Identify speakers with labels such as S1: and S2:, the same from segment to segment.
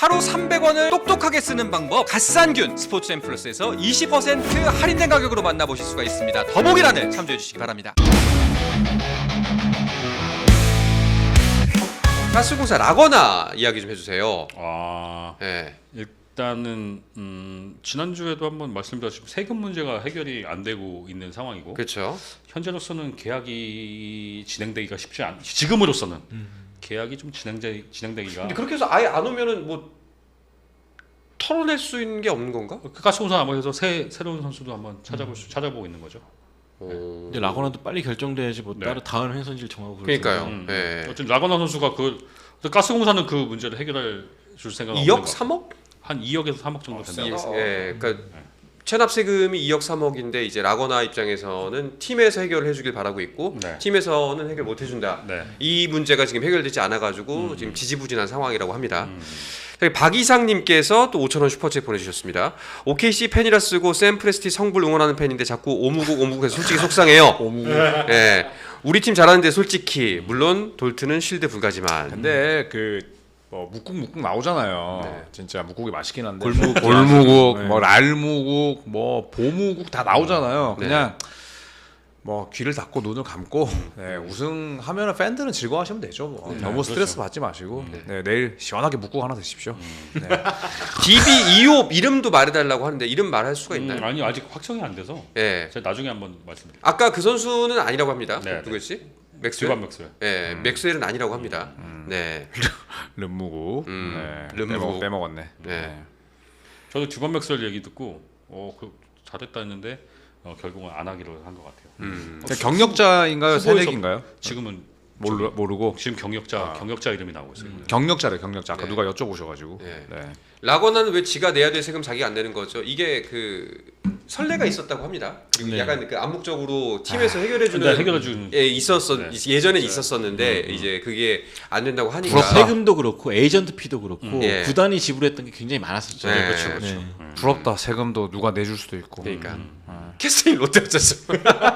S1: 하루 300원을 똑똑하게 쓰는 방법 갓산균 스포츠앤플러스에서 20% 할인된 가격으로 만나보실 수가 있습니다. 더보기란을 참조해 주시기 바랍니다. 가스공사 라거나 이야기 좀 해주세요. 네.
S2: 일단은 지난주에도 한번 말씀드렸지만 세금 문제가 해결이 안 되고 있는 상황이고,
S1: 그렇죠.
S2: 현재로서는 계약이 진행되기가 쉽지 않. 지금으로서는 계약이 좀 진행되기가.
S1: 근데 그렇게 해서 아예 안 오면은 뭐 털어낼 수 있는 게 없는 건가?
S2: 가스공사 아무래도 새로운 선수도 한번 찾아보고 있는 거죠.
S3: 근데 라거나도 빨리 결정돼야지 뭐
S2: 네.
S3: 따로 다음 행선지를 정하고
S1: 그러니까요.
S3: 그럴
S1: 네.
S2: 어쨌든 라거나 선수가 가스공사는 그 문제를 해결할 줄 생각
S1: 2억 3억?
S2: 한 2억에서 3억 정도 된다.
S1: 예, 그러니까 체납 세금이 2억 3억인데 이제 라거나 입장에서는 팀에서 해결을 해주길 바라고 있고
S2: 네.
S1: 팀에서는 해결 못 해준다.
S2: 네.
S1: 이 문제가 지금 해결되지 않아가지고 지금 지지부진한 상황이라고 합니다. 박이상님께서 또 5,000원 슈퍼챗 보내주셨습니다. OKC 팬이라 쓰고 샘 프레스티 성불 응원하는 팬인데 자꾸 오무국해서 솔직히 속상해요. 예, 우리 팀 잘하는데 솔직히 물론 돌트는 쉴드 불가지만.
S4: 근데 뭐 묵국 나오잖아요.
S1: 네.
S4: 진짜 묵국이 맛있긴 한데
S3: 골무국,
S4: 뭐 랄무국, 뭐 보무국 다 나오잖아요.
S1: 네.
S4: 그냥 뭐 귀를 닫고 눈을 감고 네, 우승하면 팬들은 즐거워하시면 되죠. 뭐. 너무 스트레스 받지 마시고 네, 내일 시원하게 묵국 하나 드십시오. 네.
S1: DB 2호 이름도 말해달라고 하는데 이름 말할 수가 있나요?
S2: 아니 아직 확정이 안 돼서
S1: 예.
S2: 제가 나중에 한번 말씀드릴게요.
S1: 아까 그 선수는 아니라고 합니다.
S2: 네,
S1: 누구였지? 맥스웰?
S2: 주반 맥스웰.
S1: 예, 맥스웰은 아니라고 합니다. 네.
S4: 름무국 네,
S1: 름무국.
S4: 빼먹었네.
S1: 네.
S2: 저도 주반 맥스웰 얘기 듣고 잘했다 했는데 결국은 안 하기로 한 것 같아요.
S4: 경력자인가요?
S2: 후보에서
S4: 새내기인가요?
S2: 지금은
S4: 모르고
S2: 지금 경력자 이름이 나오고 있어요.
S4: 경력자래 경력자. 아까
S1: 네.
S4: 누가 여쭤보셔가지고.
S1: 네.
S4: 네.
S1: 라거나는 왜 지가 내야 될 세금 자기가 안 내는 거죠? 이게 그 선례가 있었다고 합니다. 그리고
S3: 네.
S1: 약간 그 암묵적으로 팀에서 해결해주는
S2: 네, 해결해주는.
S1: 예, 있었어.
S2: 네.
S1: 예전엔 있었었는데 이제 그게 안 된다고 하니까.
S3: 거. 세금도 그렇고 에이전트 피도 그렇고
S1: 예.
S3: 구단이 지불했던 게 굉장히 많았었죠.
S1: 네,
S3: 그렇죠.
S1: 그렇죠.
S3: 네.
S4: 부럽다. 세금도 누가 내줄 수도 있고.
S1: 그러니까 캐스팅 롯데였었어.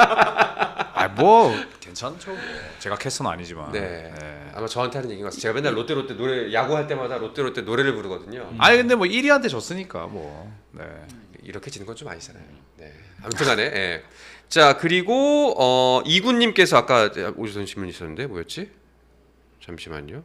S4: 뭐 괜찮죠. 뭐. 제가 캐스는 아니지만.
S1: 네. 아마 저한테 하는 얘기인 것 같아요. 제가 맨날 롯데 노래 야구할 때마다 롯데 노래를 부르거든요.
S4: 아니 근데 뭐 1위한테 졌으니까 뭐. 네.
S1: 이렇게 지는 건 좀 아니잖아요. 네. 아무튼간에. 예. 자 그리고 이군님께서 아까 오주선 신문 있었는데 뭐였지? 잠시만요.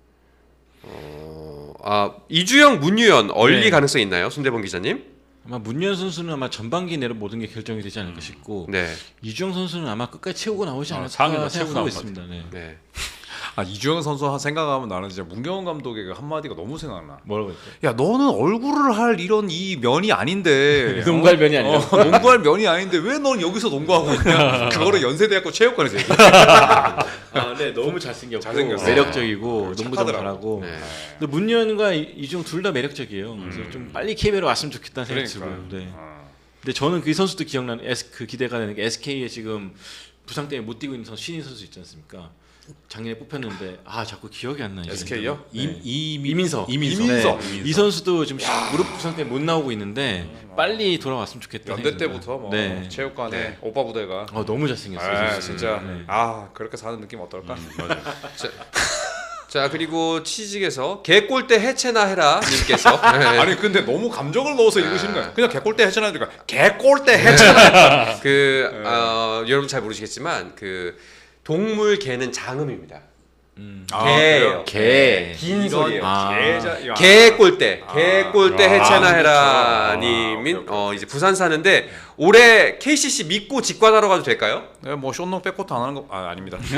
S1: 이주영, 문유연 얼리
S3: 네.
S1: 가능성 있나요, 손대범 기자님?
S3: 아마 문현 선수는 아마 전반기 내로 모든 게 결정이 되지 않을까 싶고
S1: 네.
S3: 이주영 선수는 아마 끝까지 채우고 나오지 않을까
S2: 상위로 채우고
S3: 생각하고
S2: 나올
S3: 있습니다. 네.
S1: 네.
S4: 이주영 선수 생각하면 나는 진짜 문경원 감독의 그 한마디가 너무 생각나.
S3: 뭐라고 했죠?
S4: 야 너는 얼굴을 할 이런 이 면이 아닌데
S3: 농구할 면이 아니라
S4: 농구할 면이 아닌데 왜 넌 여기서 농구하고 있냐? 그거를 연세대학교 체육관에서 얘기해.
S3: 네, 너무 잘생겼고
S4: 잘생겼어.
S3: 매력적이고 농구도
S4: 착하더라고.
S3: 잘하고.
S1: 네.
S3: 근데 문현과 이주영 둘 다 매력적이에요. 그래서 좀 빨리 KBL에 왔으면 좋겠다는 생각이
S4: 그러니까.
S3: 들고요. 네. 근데 저는 그 선수도 기억나는 그 기대가 되는 게 SK에 지금 부상 때문에 못 뛰고 있는 신인 선수 있지 않습니까? 작년에 뽑혔는데 자꾸 기억이 안 나요.
S4: SK요?
S3: 이민서.
S4: 이민서.
S3: 이 선수도 지금 무릎 부상 때문에 못 나오고 있는데 빨리 돌아왔으면 좋겠다.
S4: 연대 때부터 뭐
S3: 네.
S4: 체육관에
S1: 네.
S4: 오빠 부대가
S3: 너무 잘생겼어요.
S4: 진짜
S3: 네.
S4: 그렇게 사는 느낌 어떨까?
S1: 자 그리고 취직에서 개꼴대 해체나 해라 님께서 네.
S4: 아니 근데 너무 감정을 넣어서 읽으시는 거야. 그냥 개꼴대 해체나 하니까 개꼴대 해체나.
S1: 여러분 잘 모르시겠지만 그 동물 개는 장음입니다.
S4: 그래요?
S3: 개.
S1: 긴 소리예요.
S4: 개자.
S1: 개꼴대 해체나 해라
S4: 진짜.
S1: 님인
S4: 오케이.
S1: 이제 부산 사는데 올해 KCC 믿고 직관하러 가도 될까요?
S4: 네, 뭐 쇼농 백코트 안 하는 거 아닙니다. 왜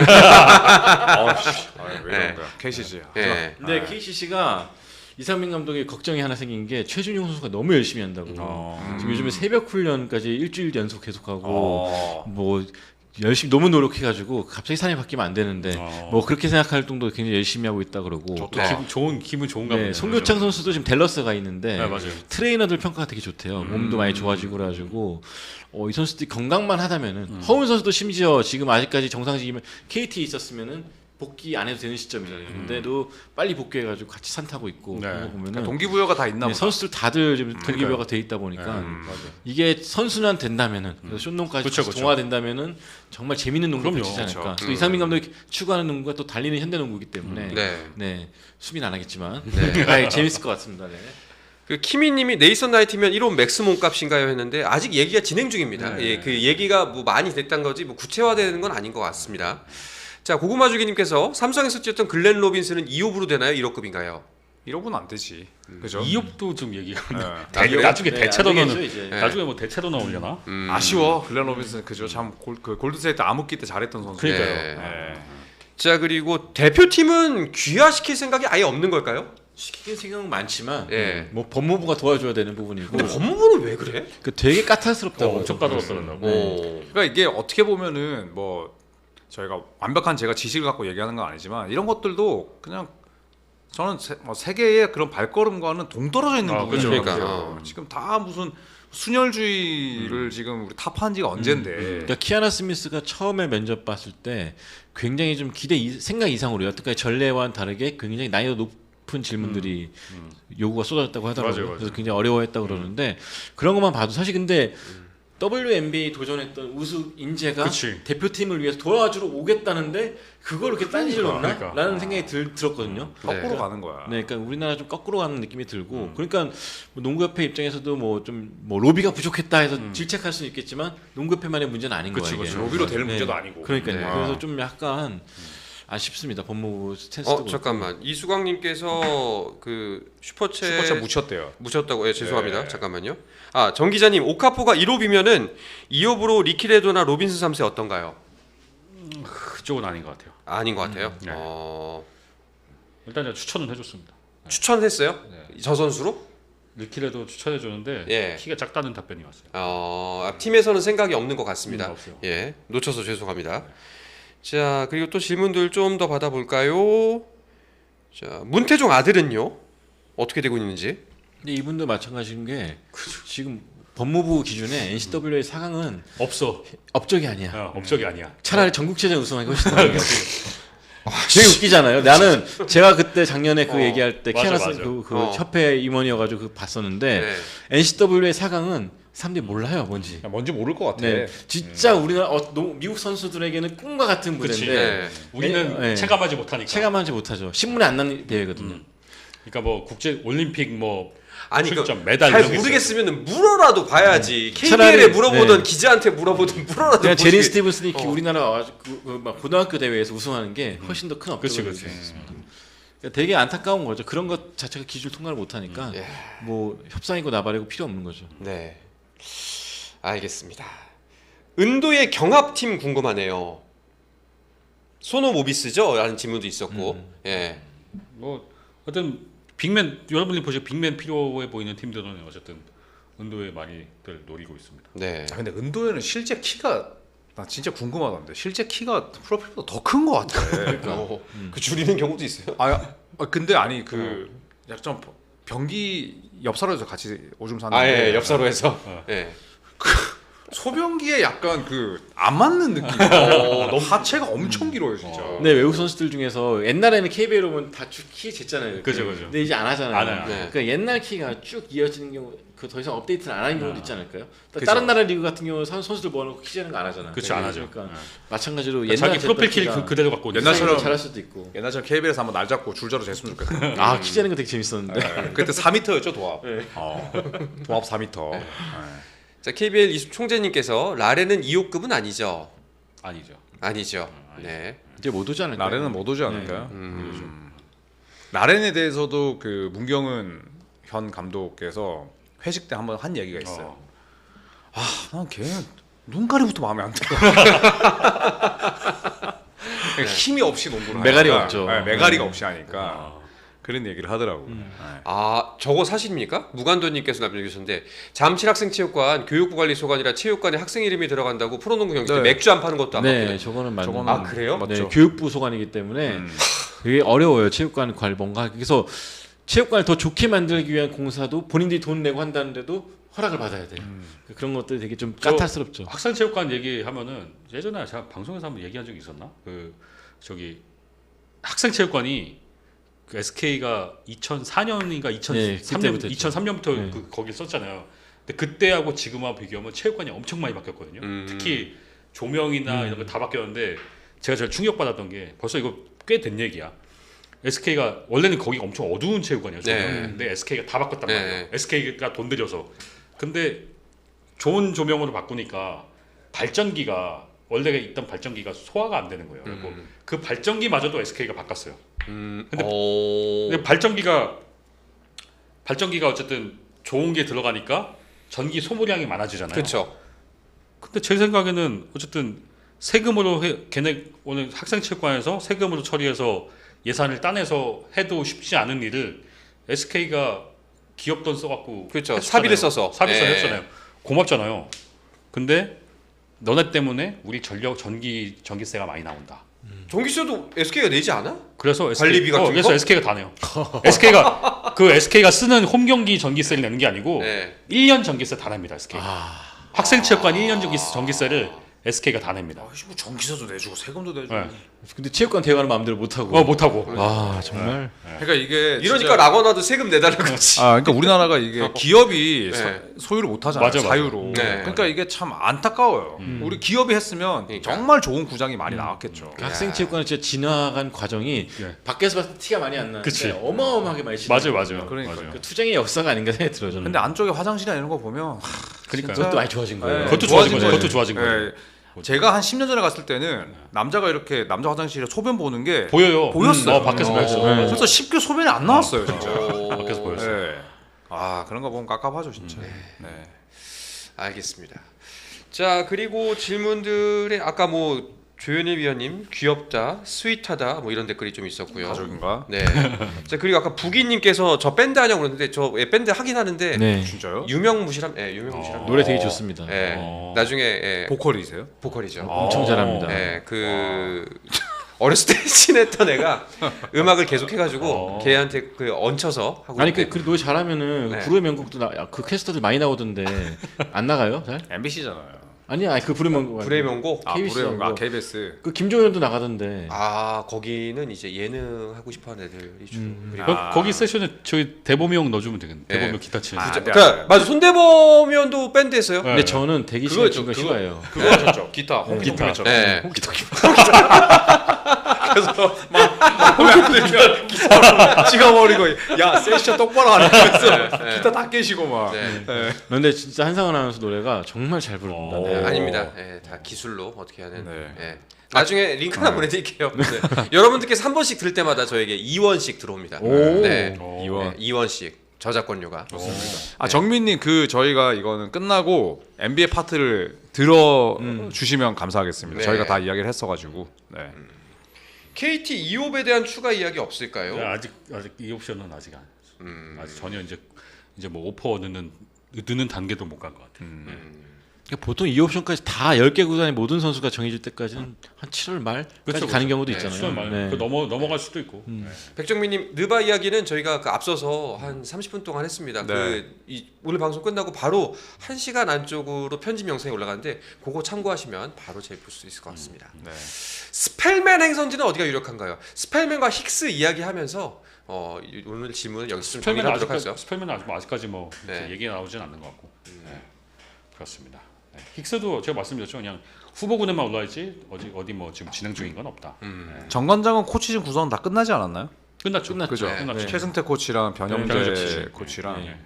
S1: 네.
S4: 이런 거야? KCG.
S1: 네.
S3: 근데 KCC가 이상민 감독이 걱정이 하나 생긴 게 최준용 선수가 너무 열심히 한다고. 지금 요즘에 새벽 훈련까지 일주일 연속 계속하고 뭐 열심히 너무 노력해가지고 갑자기 사람이 바뀌면 안 되는데 뭐 그렇게 생각할 정도로 굉장히 열심히 하고 있다 그러고.
S1: 네.
S2: 기분 좋은가 보네요.
S3: 송교창 선수도 지금 댈러스가 있는데
S2: 네, 맞아요.
S3: 트레이너들 평가가 되게 좋대요. 몸도 많이 좋아지고 그래가지고 이 선수들이 건강만 하다면은 허훈 선수도 심지어 지금 아직까지 정상직이면 KT에 있었으면은 복귀 안 해도 되는 시점이잖아요. 근데도 빨리 복귀해가지고 같이 산 타고 있고
S2: 네.
S3: 그런 거 보면은
S4: 그러니까 동기부여가 다 있나
S3: 네,
S4: 보다.
S3: 선수들 다들 지금 동기부여가 돼 있다 보니까
S2: 맞아요.
S3: 이게 선순환 된다면은 그래서 쇼농까지
S2: 그쵸,
S3: 다시
S2: 그쵸.
S3: 동화된다면은 정말 재밌는 농구가
S2: 그럼요.
S3: 펼치지 않을까.
S4: 그쵸.
S3: 또 이상민 감독이 추구하는 농구가 또 달리는 현대농구이기 때문에
S1: 네.
S3: 네 수비는 안 하겠지만
S1: 네.
S3: 아, 재밌을 것 같습니다. 네.
S1: 그 키미님이 네이선 나이트면 1호 맥스 몸값인가요 했는데 아직 얘기가 진행 중입니다. 예, 그 얘기가 뭐 많이 됐단 거지 뭐 구체화되는 건 아닌 것 같습니다. 자 고구마주기님께서 삼성에서 뛰었던 글렌 로빈스는 2호부로 되나요? 1호급인가요?
S4: 1억은 안 되지. 그죠?
S2: 2업도 좀 얘기가
S4: 네.
S2: 나중에
S3: 네,
S2: 대체로
S3: 안 되겠죠,
S2: 넣는
S3: 이제.
S1: 네.
S2: 나중에 뭐 대체로 나오려나?
S4: 아쉬워. 글렌 로빈슨 그죠? 참 그 골드스테이트 암흑기 때 잘했던 선수.
S2: 그러니까요.
S4: 네.
S1: 자 그리고 대표팀은 귀화시킬 생각이 아예 없는 걸까요?
S3: 시키는 생각은 많지만
S1: 예.
S3: 뭐 법무부가 도와줘야 되는 부분이고
S1: 근데 법무부는 왜 그래?
S3: 그 되게 까탈스럽다고
S2: 엄청 까다롭더라고.
S1: 오.
S4: 그러니까 이게 어떻게 보면은 뭐 저희가 완벽한 제가 지식을 갖고 얘기하는 건 아니지만 이런 것들도 그냥 저는 세계의 그런 발걸음과는 동떨어져 있는 부분인
S2: 그렇죠.
S4: 것
S1: 그러니까,
S4: 같아요. 지금 다 무슨 순혈주의를 지금 우리 탑한 지가 언젠데.
S3: 그러니까 키아나 스미스가 처음에 면접 봤을 때 굉장히 좀 생각 이상으로 여태까지 전례와는 다르게 굉장히 난이도 높은 질문들이 요구가 쏟아졌다고 하더라고요.
S2: 맞아요.
S3: 그래서 굉장히 어려워했다고 그러는데 그런 것만 봐도 사실 근데 WNBA 도전했던 우수 인재가
S2: 그치.
S3: 대표팀을 위해서 도와주러 오겠다는데 그걸 이렇게 딴지를 놓나?
S2: 그러니까.
S3: 라는 생각이 들었거든요.
S4: 거꾸로
S1: 네.
S4: 가는 거야.
S3: 네, 그러니까 우리나라 좀 거꾸로 가는 느낌이 들고, 그러니까 뭐 농구협회 입장에서도 뭐 좀 뭐 로비가 부족했다 해서 질책할 수는 있겠지만 농구협회만의 문제는 아닌
S2: 그치,
S3: 거예요. 이게.
S2: 그치.
S4: 로비로 될
S3: 네.
S4: 문제도 아니고.
S3: 그러니까요.
S1: 네.
S3: 그래서 좀 약간 아쉽습니다. 법무부 스탠스도.
S1: 잠깐만 이수광님께서 그 슈퍼챗
S4: 슈퍼챗 묻혔대요.
S1: 묻혔다고 죄송합니다.
S4: 네.
S1: 잠깐만요. 정 기자님 오카포가 1호비면은 2호부로 리키레도나 로빈슨 3세 어떤가요?
S2: 그쪽은 아닌 것 같아요.
S1: 아닌 것 같아요.
S2: 네. 일단 제가 추천은 해줬습니다.
S1: 추천했어요?
S2: 네.
S1: 저 선수로?
S2: 리키레도 추천해 줬는데
S1: 예.
S2: 키가 작다는 답변이 왔어요.
S1: 팀에서는 생각이 없는 것 같습니다.
S2: 없어요.
S1: 예, 놓쳐서 죄송합니다. 자 그리고 또 질문들 좀 더 받아볼까요? 자 문태종 아들은요 어떻게 되고 있는지?
S3: 근데 이분도 마찬가지인 게 지금 법무부 기준에 NCAA 4강은
S2: 없어.
S3: 업적이 아니야.
S2: 업적이 아니야.
S3: 차라리 전국체전 우승하기 훨씬 더 되게 웃기잖아요. 나는 제가 그때 작년에 그 얘기할 때
S2: 맞아,
S3: 키아나스
S2: 맞아.
S3: 그 협회 임원이어가지고 그 봤었는데
S1: 네.
S3: NCAA 4강은 사람들이 몰라요 뭔지.
S4: 뭔지 모를 것 같아.
S3: 네, 진짜 우리나라 미국 선수들에게는 꿈과 같은
S2: 그치.
S3: 무대인데
S1: 네.
S2: 우리는
S3: 네.
S2: 체감하지 못하니까.
S3: 체감하지 못하죠. 신문에 안 나는 대회거든요.
S2: 그러니까 뭐 국제 올림픽 뭐
S1: 아니
S2: 출전 메달
S1: 잘
S2: 이런 게
S1: 모르겠으면 물어라도 봐야지. KBL에
S3: 차라리,
S1: 물어보던
S3: 네.
S1: 기자한테 물어보든 물어라도
S3: 내가 제린
S1: 보지.
S3: 스티븐슨이 우리나라 와가지고 막 고등학교 대회에서 우승하는 게 훨씬 더 큰
S2: 그치,
S3: 업적을
S2: 그치.
S3: 그러니까 되게 안타까운 거죠. 그런 것 자체가 기술 통과를 못하니까
S1: 예.
S3: 뭐 협상이고 나발이고 필요 없는 거죠.
S1: 네, 알겠습니다. 은도의 경합팀 궁금하네요. 소노 모비스죠? 라는 질문도 있었고, 예.
S2: 뭐 어떤 빅맨 여러분이 보시고 빅맨 필요해 보이는 팀들은 어쨌든 은도의 많이들 노리고 있습니다.
S1: 네.
S4: 근데 은도에는 실제 키가 나 진짜 궁금하던데 실제 키가 프로필보다 더 큰 것 같아.
S1: 그 줄이는 경우도 있어요.
S4: 근데 아니 그 약간 변기 옆사로에서 같이 오줌 쌌는데
S1: 예, 옆사로에서. 예.
S4: 소변기에 약간 그 안 맞는 느낌. 너무 하체가 엄청 길어요 진짜.
S3: 근데 외국 선수들 중에서 옛날에는 KBL 오면 다 쭉 키 쟀잖아요.
S2: 그죠, 그죠.
S3: 근데 이제 안 하잖아요.
S2: 안 해요.
S1: 네.
S3: 그러니까 옛날 키가 쭉 이어지는 경우 그 더 이상 업데이트를 안 하는 경우도 있지 않을까요?
S4: 그죠.
S3: 다른 나라 리그 같은 경우는 선수들 모아놓고 키 재는 거 안 하잖아요.
S2: 그렇죠, 안 하죠.
S3: 그러니까
S2: 네.
S3: 마찬가지로
S2: 그러니까
S3: 옛날
S2: 자기 프로필 키
S3: 키가
S2: 그대로 갖고 있는
S4: 옛날처럼
S3: 잘할 수도 있고.
S4: 옛날처럼 KBL에서 한번 날 잡고 줄자로 쟀으면 좋겠다.
S3: 아, 키 재는 거 되게 재밌었는데.
S4: 네. 그때 4m였죠 도합.
S3: 네.
S4: 도합 4m.
S1: 자, KBL 이수 총재님께서 라레는 2호급은 아니죠?
S2: 아니죠.
S1: 아니죠. 네.
S3: 이제 못 오지 않을까요?
S4: 나렌은 못 오지 않을까요? 나렌에 대해서도 그 문경은 현 감독께서 회식 때 한번 한 얘기가 있어요. 난 걔 눈가리부터 마음에 안 들어. 힘이 없이 농구를
S3: 메가리
S4: 하니까.
S3: 없죠.
S4: 네, 메가리가 없이 하니까 그런 얘기를 하더라고. 네.
S1: 저거 사실입니까? 무관도님께서 남겨주셨는데 잠실학생체육관 교육부관리소관이라 체육관에 학생 이름이 들어간다고 프로농구 경기 때
S4: 네.
S1: 맥주 안 파는 것도 안
S3: 네,
S1: 맞거든요.
S3: 저거는 맞는
S4: 저거는
S3: 거.
S1: 그래요?
S3: 네,
S4: 맞죠.
S3: 교육부 소관이기 때문에 되게 어려워요. 체육관 관리 뭔가 그래서 체육관을 더 좋게 만들기 위한 공사도 본인들이 돈 내고 한다는데도 허락을 받아야 돼요. 그런 것들이 되게 좀 까탈스럽죠.
S2: 학생체육관 얘기하면은 예전에 제가 방송에서 한번 얘기한 적이 있었나? 그 저기 학생체육관이 그 SK가 2004년인가
S3: 네,
S2: 2003년
S3: 그때부터
S2: 2003년부터
S3: 네.
S2: 거기 썼잖아요. 근데 그때하고 지금하고 비교하면 체육관이 엄청 많이 바뀌었거든요. 특히 조명이나 이런 거 다 바뀌었는데 제가 제일 충격받았던 게 벌써 이거 꽤 된 얘기야. SK가 원래는 거기가 엄청 어두운 체육관이었죠.
S1: 네.
S2: 근데 SK가 다 바꿨단
S1: 네.
S2: 말이에요. SK가 돈 들여서. 근데 좋은 조명으로 바꾸니까 발전기가 원래 있던 발전기가 소화가 안 되는 거예요. 그리고 그 발전기마저도 SK가 바꿨어요. 근데 발전기가 어쨌든 좋은 게 들어가니까 전기 소모량이 많아지잖아요.
S1: 그렇죠.
S2: 근데 제 생각에는 어쨌든 세금으로 걔네 오늘 학생체육관에서 세금으로 처리해서 예산을 따내서 해도 쉽지 않은 일을 SK가 기업 돈 써갖고
S1: 그렇죠.
S2: 해줬잖아요.
S1: 사비를 써서.
S2: 사비를
S1: 예.
S2: 했잖아요. 고맙잖아요. 근데 너네 때문에 우리 전기세가 많이 나온다.
S1: 전기세도 SK가 내지 않아?
S2: 그래서
S1: 관리비 같은
S2: 그래서
S1: 거?
S2: SK가 다 내요. SK가 쓰는 홈경기 전기세를 내는 게 아니고
S1: 네.
S2: 1년 전기세 다 냅니다. SK. 학생체육관 1년 전기세를 SK가 다 냅니다.
S4: 뭐 전기세도 내주고 세금도 내주고.
S2: 네.
S3: 근데 체육관 대관을 마음대로 못 하고.
S2: 못하고.
S3: 와 정말.
S4: 그러니까 이게
S1: 이러니까
S4: 진짜-
S1: 라거나도 세금 내달라고 그러지.
S4: 그러니까 우리나라가 이게 기업이
S1: 네.
S4: 소유를 못 하잖아요.
S2: 맞아.
S4: 자유로.
S1: 네.
S4: 그러니까 이게 참 안타까워요. 우리 기업이 했으면
S1: 그러니까.
S4: 정말 좋은 구장이 많이 나왔겠죠.
S3: 그 학생체육관은 진짜 진화한 과정이
S2: 예.
S3: 밖에서 봤을 때 티가 많이 안 나는데
S2: 그치.
S3: 어마어마하게 많이 진화.
S2: 맞아요.
S4: 그러니까요.
S2: 맞아요.
S3: 그 투쟁의 역사가 아닌가 생각이 들어요. 저는.
S4: 근데 안쪽에 화장실이나 이런 거 보면
S2: 그러니까요.
S3: 그것도 많이 좋아진 거예요.
S4: 네.
S2: 그것도
S4: 좋아진
S2: 좋아진 거죠.
S4: 거예요.
S2: 그것도 좋아진 거예요.
S4: 예. 제가 한 10년 전에 갔을 때는 남자가 이렇게 남자 화장실에 소변 보는 게
S2: 보여요.
S4: 보였어요.
S2: 밖에서
S1: 어.
S2: 보였어요.
S3: 네.
S4: 그래서 쉽게 소변이 안 나왔어요, 진짜.
S2: 밖에서 보였어요.
S4: 예. 그런 거 보면 깝깝하죠, 진짜. 네.
S1: 알겠습니다. 자 그리고 질문들에 아까 뭐 조현일 위원님 귀엽다, 스윗하다 뭐 이런 댓글이 좀 있었고요.
S4: 가족인가?
S1: 네. 자 그리고 아까 부기님께서 저 밴드 하냐고 그러는데 저 밴드 하긴 하는데
S3: 네.
S4: 진짜요?
S1: 유명무실함. 예, 유명무실함.
S3: 노래 되게 좋습니다.
S1: 예.
S2: 어.
S1: 나중에 예,
S4: 보컬이세요?
S1: 보컬이죠.
S3: 엄청 잘합니다.
S1: 예, 그 어렸을 때 친했던 애가 음악을 계속 해가지고 걔한테 그 얹혀서 하고.
S3: 아니
S1: 있는데
S3: 그 노래 잘하면
S1: 네.
S3: 불후의 명곡도 그 캐스터들 많이 나오던데 안 나가요? 잘?
S4: MBC잖아요.
S3: 아니 그 불후의 명곡.
S1: 불의 명곡.
S3: KBS 하고.
S4: KBS.
S3: 그 김종현도 나가던데.
S1: 아 거기는 이제 예능 하고 싶어하는 애들이 주로. 그리고
S2: 거기 세션에 저희 대범이 형 넣어주면 되겠네. 대범이 형 기타 치는.
S4: 네.
S1: 그러니까 맞아 손대범위원도 밴드 했어요.
S2: 네.
S3: 근데 저는 대기 시간 긴 거 싫어해요.
S1: 그거 하셨죠. 기타.
S2: 기타.
S1: 네.
S4: 찍어버리고 야 세션 똑바로 안 하면서
S1: 네.
S4: 기타 다 깨시고 막.
S1: 네.
S3: 근데 진짜 한상원 아나운서 노래가 정말 잘 부릅니다.
S2: 어.
S3: 네.
S1: 아닙니다. 예, 다 기술로 어떻게 하는.
S4: 네.
S1: 예. 나중에 링크 하나 보내드릴게요. 네. 여러분들께서 한 번씩 들을 때마다 저에게 2원씩 들어옵니다.
S3: 오.
S1: 네.
S4: 이원.
S1: 2원씩 저작권료가.
S4: 정민님 그 저희가 이거는 끝나고 NBA 파트를 들어 주시면 감사하겠습니다.
S1: 네.
S4: 저희가 다 이야기를 했어가지고. 네.
S1: KT 이옵에 대한 추가 이야기 없을까요?
S2: 네, 아직 이 옵션은 아직 아직 전혀 이제 뭐 오퍼 넣는 단계도 못 간 것 같아요.
S3: 그러니까 보통 이 옵션까지 다 10개 구단의 모든 선수가 정해질 때까지는 한 7월 말까지
S2: 그렇죠,
S3: 가는 경우도
S1: 네,
S3: 있잖아요.
S2: 수원 말
S3: 네.
S2: 그 넘어갈 수도 있고. 네.
S1: 백정민님 느바 이야기는 저희가 그 앞서서 한 30분 동안 했습니다.
S4: 네.
S1: 오늘 방송 끝나고 바로 1시간 안쪽으로 편집 영상이 올라가는데 그거 참고하시면 바로 제일 볼 수 있을 것 같습니다.
S4: 네.
S1: 스펠맨 행선지는 어디가 유력한가요? 스펠맨과 힉스 이야기하면서 오늘 질문은 여기서 좀 정리하도록 하죠.
S2: 스펠맨은 아직까지 뭐
S1: 네.
S2: 이렇게 얘기 나오진 않는 것 같고. 네. 그렇습니다. 네. 힉스도 제가 말씀드렸죠. 그냥 후보군에만 올라있지 어디 뭐 지금 진행 중인 건 없다.
S4: 정관장은 코치진 구성은 다 끝나지 않았나요?
S2: 끝났죠.
S4: 그죠?
S1: 네.
S2: 끝났죠.
S4: 최승태 코치랑 변형재
S2: 변형재
S4: 코치랑.
S2: 네.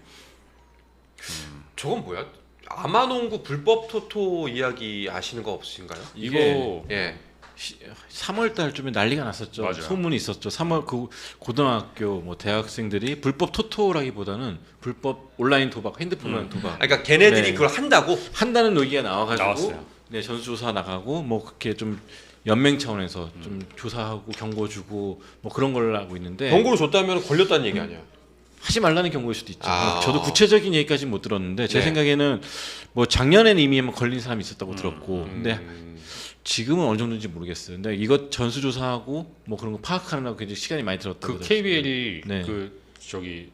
S1: 저건 뭐야? 아마농구 불법 토토 이야기 아시는 거 없으신가요?
S2: 이거
S1: 예.
S3: 3월 달쯤에 난리가 났었죠.
S2: 맞아요.
S3: 소문이 있었죠. 3월 그 고등학교 뭐 대학생들이 불법 토토라기보다는 불법 온라인 도박, 핸드폰 도박
S1: 그러니까 걔네들이
S3: 네.
S1: 그걸 한다고?
S3: 한다는 얘기가 나와가지고
S2: 나왔어요.
S3: 네 전수조사 나가고 뭐 그렇게 좀 연맹 차원에서 좀 조사하고 경고 주고 뭐 그런 걸 하고 있는데
S1: 경고를 줬다면 걸렸다는 얘기 아니야?
S3: 하지 말라는 경고일 수도 있죠.
S1: 아.
S3: 저도 구체적인 얘기까지는 못 들었는데 제
S1: 네.
S3: 생각에는 뭐 작년에는 이미 한번 걸린 사람이 있었다고 들었고 근데 지금은 어느 정도인지 모르겠어요. 근데 이것 전수조사하고 뭐 그런 거 파악하느라고 굉장히 시간이 많이 들었다고
S2: 그
S3: 들었어요.
S2: KBL이
S3: 네.
S2: 그 저기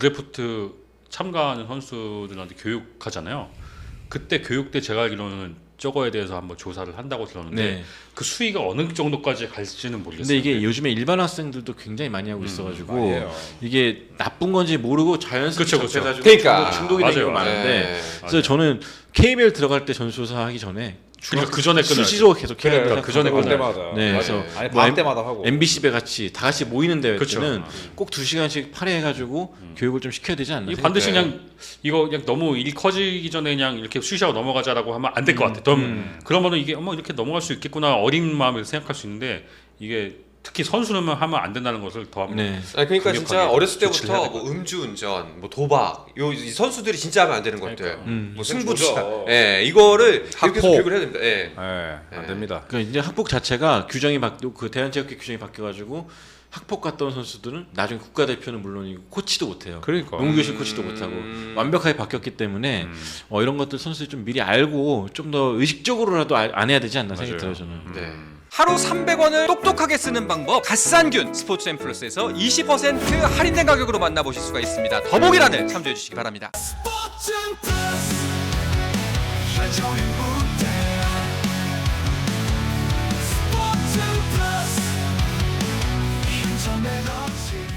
S2: 드래프트 참가하는 선수들한테 교육하잖아요. 그때 교육 때 제가 알기로는 저거에 대해서 한번 조사를 한다고 들었는데
S3: 네.
S2: 그 수위가 어느 정도까지 갈지는 모르겠어요.
S3: 근데 이게 요즘에 일반 학생들도 굉장히 많이 하고 있어가지고
S4: 많이 해요.
S3: 이게 나쁜 건지 모르고 자연스럽게
S2: 그쵸.
S3: 접해가지고
S1: 그러니까.
S3: 중독이 되는 경우가
S2: 맞아요.
S3: 많은데
S1: 네.
S3: 그래서 저는 KBL 들어갈 때 전수조사 하기 전에
S2: 그러니까 그 전에 끊어야
S3: 수시로 계속 해야
S4: 그래,
S3: 된다.
S2: 그 전에
S4: 볼
S2: 끊어야
S4: 때마다.
S3: 네,
S4: 맞아요.
S3: 그래서
S4: 아니
S3: 뭐
S4: 반 때마다 하고.
S3: MBC배 같이 다 같이 모이는 대회
S2: 그쵸.
S3: 때는 꼭 2시간씩 팔해가지고 교육을 좀 시켜야 되지 않나.
S2: 이 반드시
S1: 네.
S2: 그냥 이거 그냥 너무 일 커지기 전에 그냥 이렇게 수시하고 넘어가자라고 하면 안 될 것 같아. 그러면은 이게 이렇게 넘어갈 수 있겠구나 어린 마음에서 생각할 수 있는데 이게 특히 선수는 하면 안 된다는 것을 더 한번
S3: 네.
S1: 아니, 그러니까 진짜
S2: 강력하게
S1: 어렸을
S2: 조치를 해야
S1: 때부터
S2: 될
S1: 뭐 음주운전, 뭐 도박, 이 선수들이 진짜 하면 안 되는 것들, 뭐 승부차,
S4: 조져.
S1: 예, 이거를 계속
S4: 학폭.
S1: 교육을 해야 됩니다. 예.
S4: 네, 안 됩니다.
S3: 그러니까 이제 학폭 자체가 그 대한체육회 규정이 바뀌어가지고 학폭 갔다 온 선수들은 나중에 국가대표는 물론이고 코치도 못해요.
S4: 그러니까.
S3: 농구교실 코치도 못하고 완벽하게 바뀌었기 때문에 이런 것들 선수들이 좀 미리 알고 좀 더 의식적으로라도 안 해야 되지 않나 생각이 들어요 저는.
S1: 네.
S5: 하루 300원을 똑똑하게 쓰는 방법 갓산균 스포츠앤 플러스에서 20% 할인된 가격으로 만나보실 수가 있습니다. 더보기란을 참조해 주시기 바랍니다.
S6: 스포츠는 플러스 한정의 무대 스포츠는 플러스 인터넷 없이